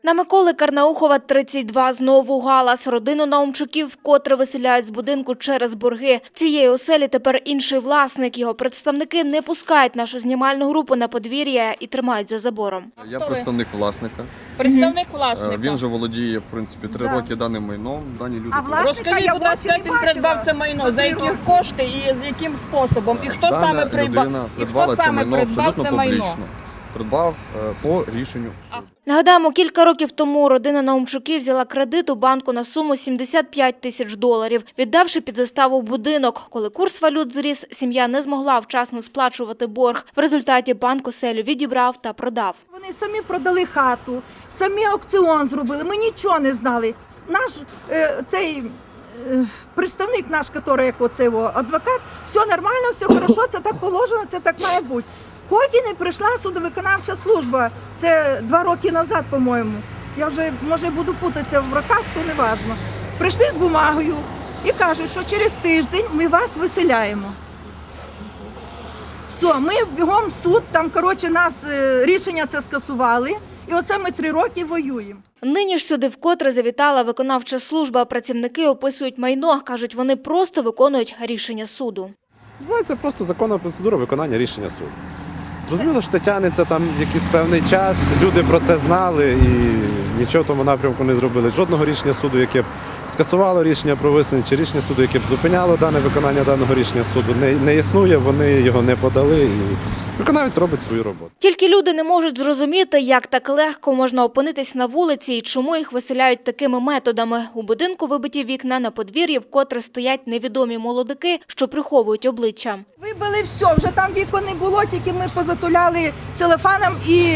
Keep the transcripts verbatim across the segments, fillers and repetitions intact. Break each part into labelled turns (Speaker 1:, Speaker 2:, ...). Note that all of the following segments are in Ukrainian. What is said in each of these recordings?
Speaker 1: На Миколи Карнаухова, тридцять два, знову галас. Родину Наумчуків вкотре виселяють з будинку через борги. Цієї оселі тепер інший власник. Його представники не пускають нашу знімальну групу на подвір'я і тримають за забором.
Speaker 2: Я представник власника.
Speaker 3: Представник власника.
Speaker 2: Він же володіє, в принципі, три
Speaker 4: Да.
Speaker 2: роки даним майном. Дані люди.
Speaker 4: А власника
Speaker 3: Розкажіть,
Speaker 4: я
Speaker 3: будь ласка,
Speaker 4: очі
Speaker 3: як
Speaker 4: не
Speaker 3: він придбав
Speaker 4: бачила
Speaker 3: це майно,
Speaker 4: за
Speaker 3: за
Speaker 4: три
Speaker 3: які
Speaker 4: роки.
Speaker 3: кошти і з яким способом, і хто
Speaker 2: Дана
Speaker 3: саме придбав,
Speaker 2: людина
Speaker 3: і хто
Speaker 2: придбала це
Speaker 3: саме
Speaker 2: майно
Speaker 3: придбав
Speaker 2: абсолютно
Speaker 3: це майно.
Speaker 2: публічно. Придбав е, по рішенню суду.
Speaker 1: Нагадаємо, кілька років тому родина Наумчуків взяла кредит у банку на суму сімдесят п'ять тисяч доларів, віддавши під заставу будинок. Коли курс валют зріс, сім'я не змогла вчасно сплачувати борг. В результаті банк оселю відібрав та продав.
Speaker 4: Вони самі продали хату, самі аукціон зробили, ми нічого не знали. Наш е, цей е, представник наш, який, як оцей о, адвокат, все нормально, все хорошо, це так положено, це так має бути. Поки не прийшла судовиконавча служба, це два роки назад, по-моєму. Я вже, може, буду путатися в роках, то не важливо. Прийшли з бумагою і кажуть, що через тиждень ми вас виселяємо. Все, ми бігом в суд, там, коротше, нас е, рішення це скасували, і оце ми три роки воюємо.
Speaker 1: Нині ж сюди вкотре завітала виконавча служба. Працівники описують майно. Кажуть, вони просто виконують рішення суду.
Speaker 5: Це просто законна процедура виконання рішення суду. Зрозуміло, що це тягнеться там якийсь певний час, люди про це знали і нічого в тому напрямку не зробили. Жодного рішення суду, яке б скасувало рішення про висунення, чи рішення суду, яке б зупиняло дане виконання даного рішення суду, не, не існує, вони його не подали і виконавець робить свою роботу.
Speaker 1: Тільки люди не можуть зрозуміти, як так легко можна опинитись на вулиці і чому їх виселяють такими методами. У будинку вибиті вікна, на подвір'ї вкотре стоять невідомі молодики, що приховують обличчя.
Speaker 4: Вибили все, вже там вікон не було, тільки ми позатуляли целофаном і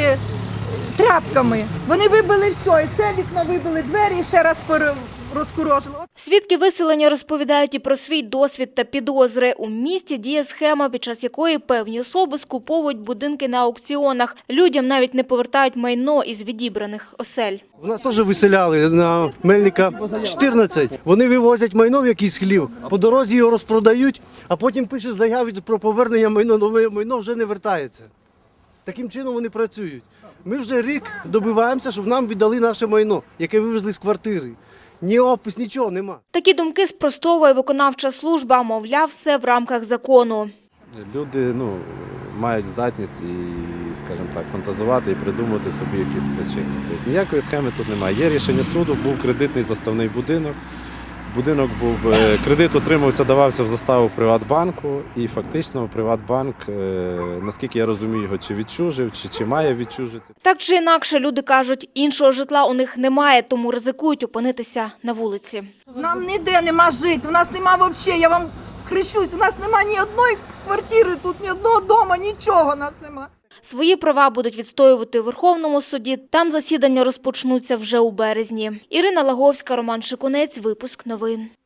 Speaker 4: тряпками. Вони вибили все, і це вікно вибили, двері і ще раз розкурожили.
Speaker 1: Свідки виселення розповідають і про свій досвід та підозри. У місті діє схема, під час якої певні особи скуповують будинки на аукціонах. Людям навіть не повертають майно із відібраних осель.
Speaker 6: У нас теж виселяли на Мельника чотирнадцять. Вони вивозять майно в якийсь хлів, по дорозі його розпродають, а потім пишуть заяву про повернення майно, але майно вже не вертається. Таким чином вони працюють. Ми вже рік добиваємося, щоб нам віддали наше майно, яке вивезли з квартири. Ні опис, нічого нема.
Speaker 1: Такі думки спростовує виконавча служба, мовляв, все в рамках закону.
Speaker 5: Люди ну, мають здатність і, скажімо так, фантазувати і придумати собі якісь причини. Тобто ніякої схеми тут немає. Є рішення суду, був кредитний заставний будинок. Будинок був, кредит отримався, давався в заставу Приватбанку, і фактично Приватбанк, наскільки я розумію, його чи відчужив, чи, чи має відчужити.
Speaker 1: Так чи інакше, люди кажуть, іншого житла у них немає, тому ризикують опинитися на вулиці.
Speaker 4: Нам ніде нема жити, у нас нема взагалі, я вам хрещусь, у нас нема ні одної квартири, тут ні одного дому, нічого у нас нема.
Speaker 1: Свої права будуть відстоювати у Верховному суді. Там засідання розпочнуться вже у березні. Ірина Лаговська, Роман Шикунець. Випуск новин.